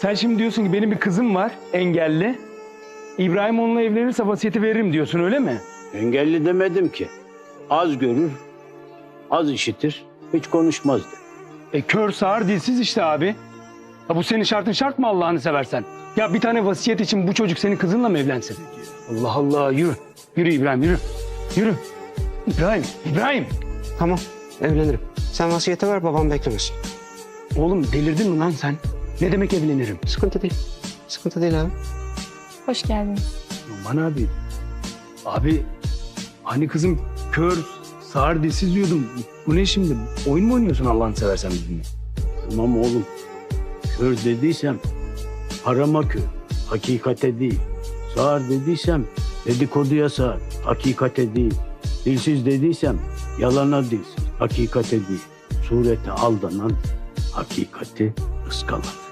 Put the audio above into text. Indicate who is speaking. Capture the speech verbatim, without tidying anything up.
Speaker 1: Sen şimdi diyorsun ki benim bir kızım var engelli. İbrahim onunla evlenirse vasiyeti veririm diyorsun öyle mi?
Speaker 2: Engelli demedim ki. Az görür, az işitir, hiç konuşmazdı.
Speaker 1: E kör sağır dilsiz işte abi. Ha, bu senin şartın şart mı Allah'ını seversen? Ya bir tane vasiyet için bu çocuk senin kızınla mı evlensin? Allah Allah yürü. Yürü İbrahim yürü. Yürü. İbrahim, İbrahim.
Speaker 3: Tamam, evlenirim. Sen vasiyeti ver, babam beklemesin.
Speaker 1: Oğlum delirdin mi lan sen? Ne demek evlenirim?
Speaker 3: Sıkıntı değil. Sıkıntı değil abi.
Speaker 4: Hoş geldiniz.
Speaker 1: Aman abi. Abi hani kızım kör, sağır, dilsiz diyordum. Bu ne şimdi? Oyun mu oynuyorsun Allah'ını seversen bizimle?
Speaker 2: Tamam oğlum, kör dediysem harama kör, hakikate değil. Sağır dediysem dedikoduya sağır, hakikate değil. Dilsiz dediysem yalana dilsiz, hakikate değil. Surete aldanan, hakikati ıskalar.